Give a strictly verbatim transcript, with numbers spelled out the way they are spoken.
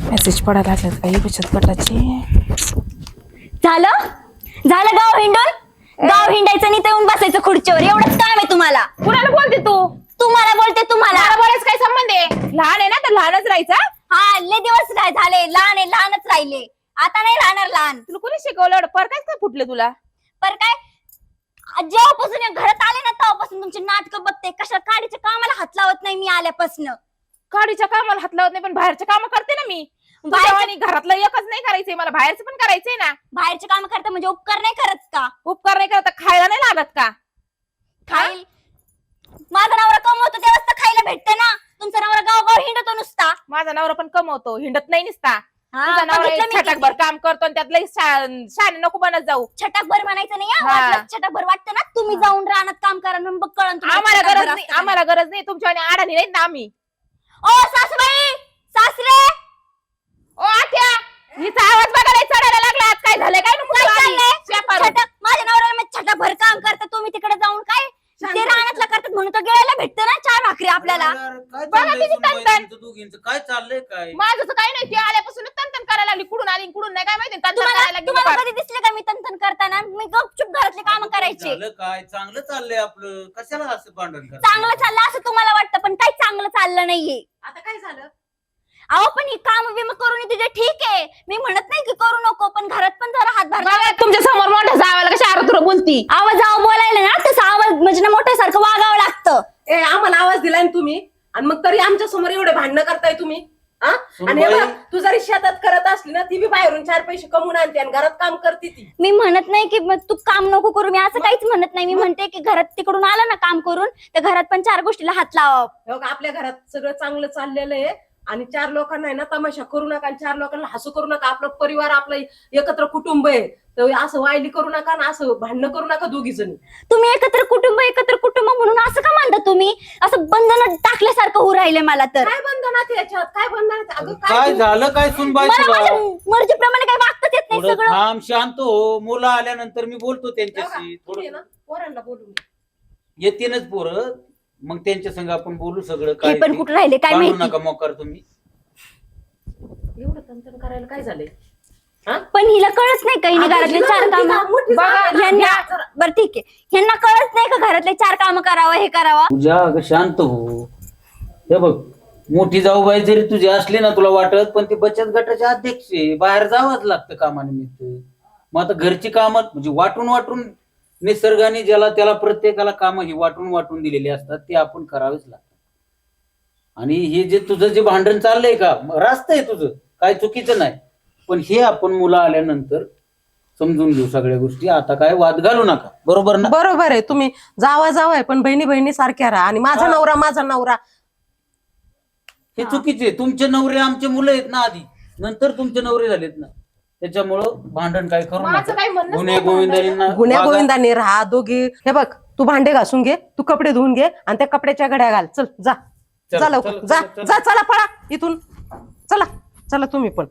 Message पडायला लागलेत काही बचत गटाचे. झालं झालं गाव हिंडून. गाव हिंडायचं आणि ते येऊन बसायचं खुर्चीवर, एवढंच काम आहे तुम्हाला. कुणाला बोलते तू? तुम्हाला बोलते तुम्हाला. मला बोलायचं काय संबंध आहे? लहान आहे ना तर लहानच राहायचा. हा लय दिवस काय झाले, लहान आहे लहानच राहिले, आता नाही राहणार लहान. तुला कोणी शिकवलं? पर काय काय फुटलं तुला? पर काय जेव्हापासून या घरात आले ना तेव्हापासून तुमचे नाटक बघते. कशा काडीच्या कामाला हात लावत नाही मी आल्यापासून. काडीच्या कामाला हात लावत नाही पण बाहेरच्या काम करते ना मी. आणि घरातलं एकच नाही करायचंय, मला बाहेरचं पण करायचंय ना. बाहेरचे काम करता म्हणजे उपकार नाही करत का? उपकार नाही करत खायला नाही लागत का? खाईल माझा नवरा कमवतो तेव्हाच तर खायला भेटते ना. तुमचा नवरा गाव गाव हिंडतो नुसता. माझा नवरा पण कमवतो, हिंडत नाही नुसता. हा, तुझा नवरा बघितलं मी छटाकभर काम करतो आणि त्यातलं शाने नको बनत जाऊ. छटाकभर म्हणायचं नाही हा. हा. वाटलं छटाकभर वाटतं ना तुम्ही जाऊन रानात काम करा ना, मग कळण तुम्हाला आम्हाला छटाकभर गरज नाही, असतं का आम्हाला गरज नाही तुमच्या आणि आडाणी नाही ना आम्ही. नाही. ओ सासूबाई सासरे ओ आत्या, हिचा आवाज बघायला चढायला लागला. आज काय झालंय? काय नको काय चाललंय? शेपारून. छटाक माझ्या नवऱ्याला छटाकभर काम करता तुम्ही तिकडे जाऊन काय ते रानातला करतात म्हणून तर गिळायला भेटतं ना चार भाकरी आपल्याला. काय बघा चाललंय किती सुनबाई तणतण. तुमचं दोघींचं? काय चाललंय काय? माझं तर काही नाही, ती आल्यापासून तंतन करायला लागली. कुठून आली कुठून नाही काय माहिती. तंतन तुम्हाला करायला लागली तुम्हाला बाबा. कधी दिसले का मी तंतन करताना? मी गपचूप घरातले काम करायचे. झालं काय? चांगलं चाललंय आपलं, कशाला असं भांडण करता? चांगलं चाललं असं तुम्हाला वाटतं पण काही चांगलं चाललं नाहीये. आता काय झालं? अहो पण ही काम विमा करून तुझे ठीक आहे, मी म्हणत नाही की करू नको, पण घरात पण जरा हातभार बघा तुमच्या समोर मोठ्या जावायला कशा आरतुर बोलती. आवाज आव बोलायला ना तसं आवाज म्हणजे ना मोठ्यासारखं वागावं लागतं. ए आम्हाला आवाज दिलाय ना तुम्ही, आणि मग तरी आमच्या समोर एवढे भांडणं करताय तुम्ही. हा? आणि हे सुनबाई. बघ, तू जरी शेतात करत असली ना, ती बी बाहेरून चार पैसे कमवून आणते आणि घरात काम करते ती. मी म्हणत नाही की मग तू काम नको करू, मी असं काहीच म्हणत नाही. मी म्हणते की घरात तिकडून आलं ना काम करून तर घरात पण चार गोष्टीला हात लावा. हे बघ, आपल्या घरात सगळं चांगलं चाललेलं आहे आणि चार लोकांना आहे ना तमाशा करू नका आणि चार लोकांना हसू करू नका. आपला परिवार, आपलं एकत्र कुटुंब आहे, तर असं वायली करू नका ना, असं भांडणं करू नका दोघी जणी. तुम्ही एकत्र कुटुंब एकत्र कुटुंब म्हणून असं का मानता तुम्ही? असं बंधन टाकल्यासारखं होऊ राहिले मला तर. काय बंधनात याच्यात? काय बंधनात? अगं काय झालं काय सुनबाई मला तुला? माझ्या मर्जीप्रमाणे काही वागताच येत नाही थोडं सगळं. थांब, शांत हो. मुलं आल्यानंतर मी बोलतो बघा, त्यांच्याशी. तुम्ही थोडं ना पोरांना बोलून घ्या. येतीनच पोरं, मग त्यांच्या संग आपण बोलू सगळं. हे काय पण ते. कुठे राहिले काय भांडू माहिती. नका मोकार तुम्ही. एवढं तंतन करायला काय झालंय? पण हिला कळत नाही काही अगं, घरातले हिला चार मोठी काम. जा- मोठी बघा जागा ना. ह्यांना बरं ठीक आहे, ह्यांना कळत नाही का घरातले चार काम करावं हे करावं. तुझ्या अगं शांत हो. हे बघ, मोठी जाऊबाई जरी तुझी असली ना तुला वाटत, पण ती बचत गटाचे अध्यक्ष आहे, बाहेर जावंच लागतं कामानिमित्त. मग आता घरची कामं म्हणजे वाटून वाटून निसर्गाने ज्याला त्याला प्रत्येकाला कामं ही वाटून वाटून दिलेली असतात, ती आपण करावीच लागतात. आणि हे जे तुझं जे भांडण चाललंय का, रास्त आहे तुझं, काय चुकीचं नाही, पण हे आपण मुलं आल्यानंतर समजून घेऊ सगळ्या गोष्टी. आता काय वाद घालू नका, बरोबर ना? बरोबर आहे, तुम्ही जावा जावाय पण बहिणी बहिणी सारख्या राहा. आणि माझा हा. नवरा माझा नवरा हे चुकीचे. तुमचे नवरे आमचे मुलं आहेत ना आधी, नंतर तुमचे नवरे झालेत ना, त्याच्यामुळं भांडण काय करू माझं नका. काही म्हणणंच गुन्हे नाही गोविंदांना गुन्ह्या वागा. गोविंदाने राहा दोघी. हे बघ, तू भांडे घासून घे, तू कपडे धुवून घे आणि त्या कपड्याच्या घड्या घाल. चल जा चला, जा लवकर चला, जा चला, चला. जा चला पळा इथून. चला चला तुम्ही पण.